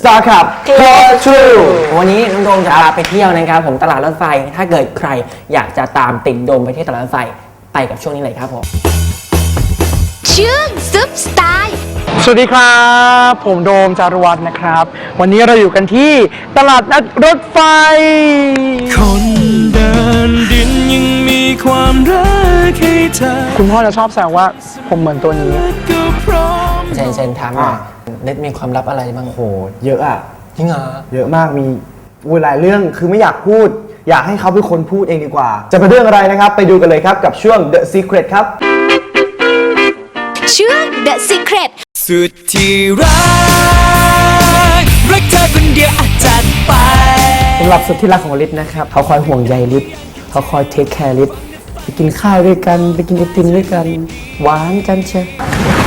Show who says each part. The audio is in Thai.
Speaker 1: Star Club Close True
Speaker 2: วันนี้น้องโดมจะพาไปเที่ยวนะครับผมตลาดรถไฟถ้าเกิดใครอยากจะตามติดโดมไปที่ตลาดรถไฟไปกับช่วงนี้เลยครับผม
Speaker 3: ชื่อซุปสไตล์
Speaker 1: สวัสดีครับผมโดมจารวัฒน์นะครับวันนี้เราอยู่กันที่ตลาดนัดรถไฟ
Speaker 4: คนเดินดินยังมีความรักให้เธอ
Speaker 1: คุณพ่อจะชอบแซวว่าผมเหมือนตัวนี้
Speaker 4: ก็พร้อม
Speaker 2: เซนถามหน่อยเน็ตมีความลับอะไรบ้างโห
Speaker 1: เยอะอะ
Speaker 2: จริงเหรอ
Speaker 1: เยอะมากมีหลายเรื่องคือไม่อยากพูดอยากให้เขาเป็นคนพูดเองดีกว่าจะเป็นเรื่องอะไรนะครับไปดูกันเลยครับกับช่วง The Secret ครับ
Speaker 3: ช่วง The Secret
Speaker 4: สุดที่รักเธอคนเดียวอาจจัดไป
Speaker 1: สำหรับสุดที่รักของลิศนะครับเขาคอยห่วงใยลิศเขาคอยเทคแคร์ลิศไปกินข้าวด้วยกันไปกินไอติมด้วยกันหวานกันเชียว